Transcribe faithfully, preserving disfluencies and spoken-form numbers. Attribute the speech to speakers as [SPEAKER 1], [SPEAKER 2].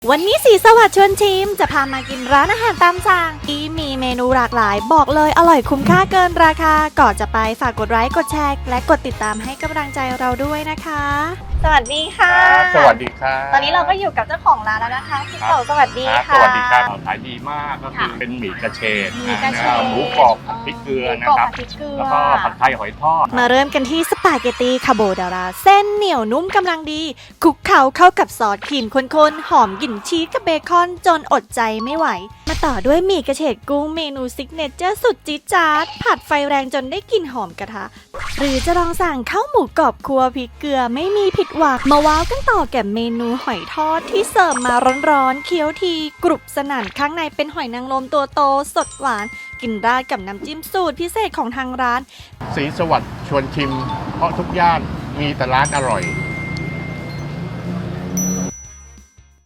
[SPEAKER 1] วันนี้สีสวัสดิ์ชวนชิมจะพามากินร้านอาหารตามสั่งที่มีเมนูหลากหลายบอกเลยอร่อยคุ้มค่าเกินราคาก่อนจะไปฝากกดไลค์กดแชร์และกดติดตามให้กำลังใจเราด้วยนะคะสวัสดีค่ะ
[SPEAKER 2] สวัสดีครับ
[SPEAKER 1] ตอนนี้เราก็อยู่กับเจ้าของร้านแล้วนะคะพี่เต๋อสวัสดีค่ะ
[SPEAKER 2] สวัสดีครับขายดีมากก็คือเป็นหมี่กระเฉดหมูกรอบผัดพริกเกลือนะครับแล้วก็ผัดไทยหอยทอด
[SPEAKER 1] มาเริ่มกันที่สปาเกตตีคาโบนาราเส้นเหนียวนุ่มกำลังดีคลุกเคล้าเข้ากับซอสครีมข้นๆหอมกลิ่นชีสกับเบคอนจนอดใจไม่ไหวมาต่อด้วยหมี่กระเฉดกุ้งเมนูซิกเนเจอร์สุดจี๊ดจ๊าดผัดไฟแรงจนได้กลิ่นหอมกระทะหรือจะลองสั่งข้าวหมูกรอบครัวพริกเกลือไม่มีผิดหวังมาว้าวกันต่อแก่เมนูหอยทอดที่เสิร์ฟมาร้อนๆเคี้ยวทีกรุบสนั่นข้างในเป็นหอยนางรมตัวโตสดหวานกินราดกับน้ำจิ้มสูตรพิเศษของทางร้าน
[SPEAKER 2] สีสวัสดิ์ชวนชิมเพราะทุกย่านมีแต่ร้านอร่อย